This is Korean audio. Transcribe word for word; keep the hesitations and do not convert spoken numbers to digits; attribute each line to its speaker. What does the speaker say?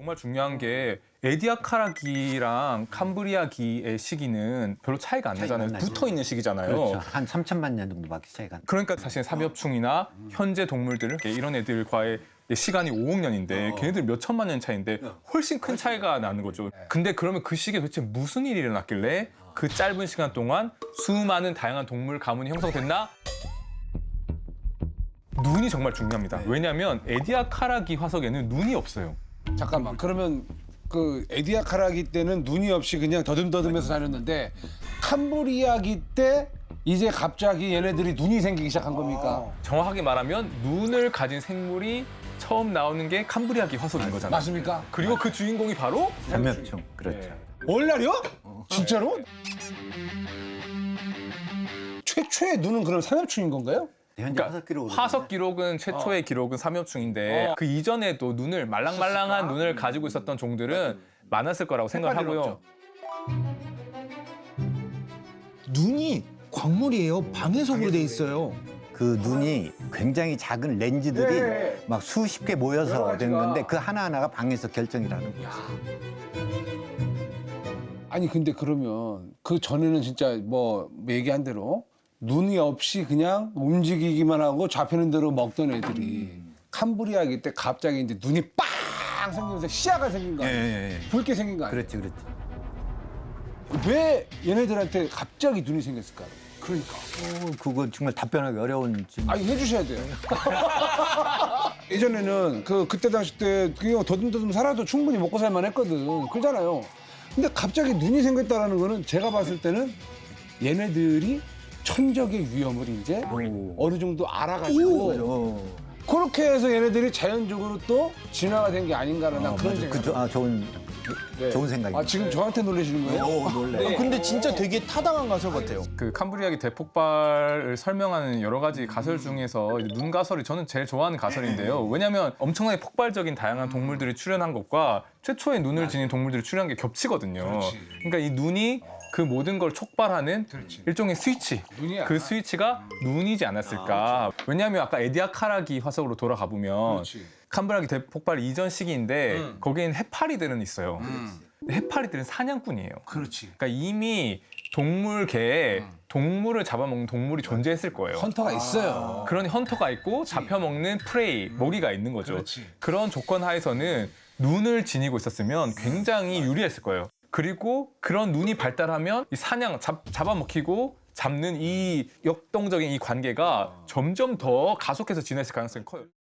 Speaker 1: 정말 중요한 게 에디아카라기랑 캄브리아기의 시기는 별로 차이가 안
Speaker 2: 차이가
Speaker 1: 나잖아요.
Speaker 2: 안 나죠.
Speaker 1: 붙어 있는 시기잖아요.
Speaker 2: 그렇죠. 한 삼천만 년 정도밖에 차이가 안 나요.
Speaker 1: 그러니까 사실 사비업충이나 현재 동물들 이런 애들과의 시간이 오억 년인데
Speaker 3: 어.
Speaker 1: 걔네들 몇 천만 년 차이인데 훨씬 큰 차이가 나는 거죠. 근데 그러면 그 시기에 도대체 무슨 일이 일어났길래 그 짧은 시간 동안 수많은 다양한 동물 가문이 형성됐나? 눈이 정말 중요합니다. 왜냐하면 에디아카라기 화석에는 눈이 없어요.
Speaker 3: 잠깐만. 그러면 그 에디아카라기 때는 눈이 없이 그냥 더듬더듬해서 다녔는데 캄브리아기 때 이제 갑자기 얘네들이 눈이 생기기 시작한 겁니까?
Speaker 1: 정확하게 말하면 눈을 가진 생물이 처음 나오는 게 캄브리아기 화석인 거잖아요.
Speaker 3: 맞습니까?
Speaker 1: 그리고 그 주인공이 바로
Speaker 2: 삼엽충. 그렇죠.
Speaker 1: 네.
Speaker 3: 월날이요? 진짜로? 최초의 눈은 그럼 삼엽충인 건가요?
Speaker 2: 현재
Speaker 1: 그러니까
Speaker 2: 화석 기록으로
Speaker 1: 화석 기록은 최초의 기록은 삼엽충인데
Speaker 3: 어.
Speaker 1: 그 이전에도 눈을 말랑말랑한 눈을 가지고 있었던 종들은 많았을 거라고 생각하고요.
Speaker 4: 눈이 광물이에요. 방해석으로 돼 있어요.
Speaker 2: 그 눈이 굉장히 작은 렌즈들이
Speaker 3: 네.
Speaker 2: 막 수십 개 모여서
Speaker 3: 여러
Speaker 2: 된
Speaker 3: 가지가.
Speaker 2: 건데 그 하나하나가 방에서 결정이라는 거예요.
Speaker 3: 아니 근데 그러면 그 전에는 진짜 뭐 얘기한 대로 눈이 없이 그냥 움직이기만 하고 잡히는 대로 먹던 애들이 캄브리아기 때 갑자기 이제 눈이 빵 생기면서 시야가 생긴 거 아니에요? 붉게 생긴 거 아니에요?
Speaker 2: 그렇지, 그렇지.
Speaker 3: 왜 얘네들한테 갑자기 눈이 생겼을까요? 그러니까.
Speaker 2: 어, 그거 정말 답변하기 어려운 질문.
Speaker 3: 아니 해주셔야 돼요. 예전에는 그 그때 당시 때 그냥 더듬더듬 살아도 충분히 먹고 살만 했거든. 그러잖아요. 근데 갑자기 눈이 생겼다라는 거는 제가 봤을 때는 얘네들이 천적의 위험을 이제
Speaker 2: 오.
Speaker 3: 어느 정도 알아가지고
Speaker 2: 어.
Speaker 3: 그렇게 해서 얘네들이 자연적으로 또 진화가 된 게 아닌가라는 난
Speaker 2: 어,
Speaker 3: 그런
Speaker 2: 맞아.
Speaker 3: 생각.
Speaker 2: 그, 조- 아, 좋은,
Speaker 3: 네.
Speaker 2: 좋은 생각입니다.
Speaker 3: 아 지금 저한테 놀라시는 거예요?
Speaker 2: 오, 놀래.
Speaker 4: 아, 근데 진짜 되게 타당한 가설 같아요.
Speaker 1: 그 캄브리아기 대폭발을 설명하는 여러 가지 가설 중에서 이제 눈 가설이 저는 제일 좋아하는 가설인데요. 왜냐하면 엄청나게 폭발적인 다양한 동물들이 출현한 것과 최초의 눈을 지닌 동물들이 출현한 게 겹치거든요.
Speaker 3: 그렇지.
Speaker 1: 그러니까 이 눈이 그 모든 걸 촉발하는
Speaker 3: 그렇지.
Speaker 1: 일종의 스위치.
Speaker 3: 눈이야.
Speaker 1: 그 스위치가 눈이지 않았을까. 왜냐하면 아까 에디아카라기 화석으로 돌아가 보면
Speaker 3: 그렇지.
Speaker 1: 캄브리아기 대폭발 이전 시기인데
Speaker 3: 음.
Speaker 1: 거기엔 해파리들은 있어요.
Speaker 3: 음.
Speaker 1: 근데 해파리들은 사냥꾼이에요.
Speaker 3: 그렇지.
Speaker 1: 그러니까 이미 동물계에 동물을 잡아먹는 동물이 존재했을 거예요.
Speaker 3: 헌터가 있어요.
Speaker 1: 그런 헌터가 있고 잡혀먹는 프레이, 먹이가 있는 거죠.
Speaker 3: 그렇지.
Speaker 1: 그런 조건 하에서는 눈을 지니고 있었으면 굉장히 유리했을 거예요. 그리고 그런 눈이 발달하면 이 사냥, 잡, 잡아먹히고 잡는 이 역동적인 이 관계가 점점 더 가속해서 진화했을 가능성이 커요.